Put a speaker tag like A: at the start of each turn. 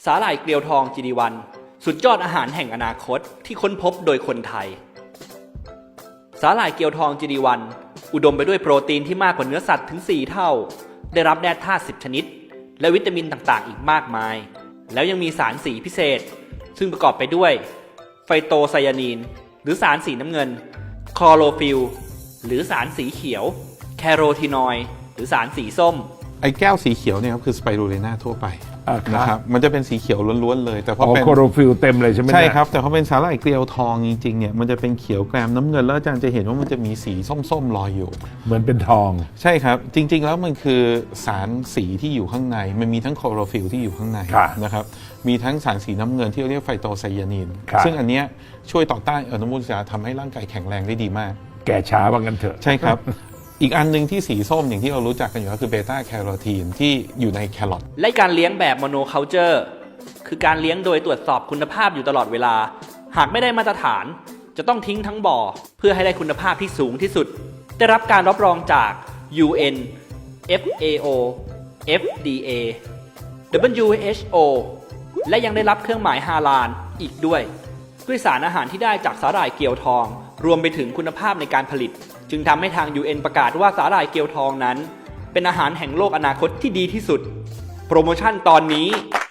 A: สาหร่ายเกลียวทอง GD1 สุดยอดอาหารแห่งอนาคตที่ค้นพบโดยคนไทยสาหร่ายเกลียวทอง GD1 อุดมไปด้วยโปรตีนที่มากกว่าเนื้อสัตว์ถึง 4 เท่าได้รับแร่ธาตุ10 ชนิดและวิตามินต่างๆอีกมากมายแล้วยังมีสารสีพิเศษซึ่งประกอบไปด้วยไฟโตไซยานีนหรือสารสีน้ำเงินคลอโรฟิลล์หรือสารสีเขียวแคโรทีนอยด์หรือสารสีส้ม
B: ไอ้แก้วสีเขียวเนี่ยครับคือสไปรูลิน่าทั่วไปนะครับมันจะเป็นสีเขียวล้วนๆเลยแต่พอเป็น
C: โคโรฟิลเต็มเลยใช่ไหม
B: ใช่ครับแต่พอเป็นสาหร่ายเกลียวทองจริงๆเนี่ยมันจะเป็นเขียวแกรมน้ำเงินแล้วอาจารย์จะเห็นว่ามันจะมีสีส้มๆลอยอยู่
C: เหมือนเป็นทอง
B: ใช่ครับจริงๆแล้วมันคือสารสีที่อยู่ข้างในมันมีทั้งโคโรฟิลที่อยู่ข้างในนะครับมีทั้งสารสีน้ำเงินที่เรียกไฟโตไซยานีนซึ่งอันเนี้ยช่วยต่อต้านอนุมูลอิสระทำให้ร่างกายแข็งแรงได้ดีมาก
C: แก่ช้าว่างั้นเถอะ
B: ใช่ครับอีกอันนึงที่สีส้มอย่างที่เรารู้จักกันอยู่ก็คือเบต้าแคโรทีนที่อยู่ในแครอท
A: และการเลี้ยงแบบโมโนคัลเจอร์คือการเลี้ยงโดยตรวจสอบคุณภาพอยู่ตลอดเวลาหากไม่ได้มาตรฐานจะต้องทิ้งทั้งบ่อเพื่อให้ได้คุณภาพที่สูงที่สุดได้รับการรับรองจาก UN FAO FDA WHO และยังได้รับเครื่องหมายฮาลาลอีกด้วยสารอาหารที่ได้จากสาหร่ายเกลียวทองรวมไปถึงคุณภาพในการผลิตจึงทำให้ทาง UN ประกาศว่าสาหร่ายเกลียวทองนั้นเป็นอาหารแห่งโลกอนาคตที่ดีที่สุดโปรโมชั่นตอนนี้